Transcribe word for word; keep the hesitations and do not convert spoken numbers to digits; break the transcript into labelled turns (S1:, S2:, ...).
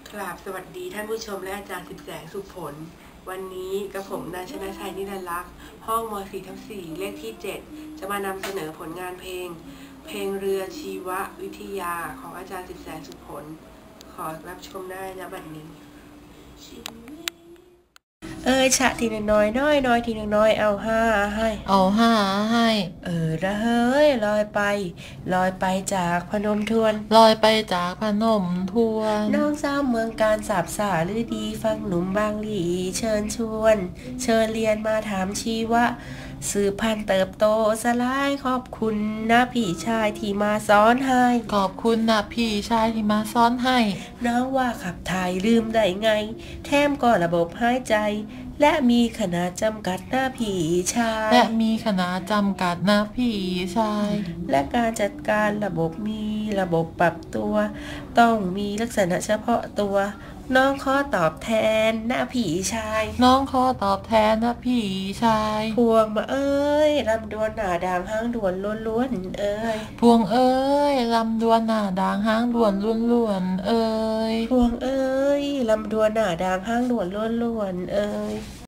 S1: กราบสวัสดีท่านผู้ชมและอาจารย์สิบแสงสุขผลวันนี้กับผมนายชนะชัยนิรันดร์ลักษณ์ห้องม สี่ทับสี่เลขที่เจ็ดจะมานำเสนอผลงานเพลงเพลงเรือชีววิทยาของอาจารย์สิบแสงสุขผลขอรับชมได้ณบัดนี้เอ้ยฉะทีหนึ่งน้อยน้อยน้อยทีหนึ่งน้อยเอาห้าให้
S2: เอาห้าให้
S1: เออระเฮ้ยลอยไปลอยไปจากพนมทวน
S2: ลอยไปจากพนมทวน
S1: น้องสาวเมืองการสาบสาหรือดีฟังหนุ่มบางหลีเชิญชวนเชิญเรียนมาถามชีวะสืบพันธุ์เติบโตสลายขอบคุณนะพี่ชายที่มาสอนให้
S2: ขอบคุณนะพี่ชายที่มาสอนให้
S1: น้องว่าขับถ่ายลืมได้ไงแถมก็ระบบหายใจและมีขนาดจำกัดหน้าพี่ชาย
S2: และมีขนาดจำกัดนะพี่ชาย
S1: และการจัดการระบบมีระบบปรับตัวต้องมีลักษณะเฉพาะตัวน้องขอตอบแทนนะพี่ชาย
S2: น้องขอตอบแทนนะพี่ชาย
S1: พวงมาเอ้ยลำดวนหน้าด่างหางด่วนล้วนๆเอ้ย
S2: พวงเอ้ยลำดวนหน้าด่างหางด่วนล้วนๆเอ้ย
S1: พวงเอ้ยลำดวนหน้าด่างหางด่วนล้วนๆเอ้ย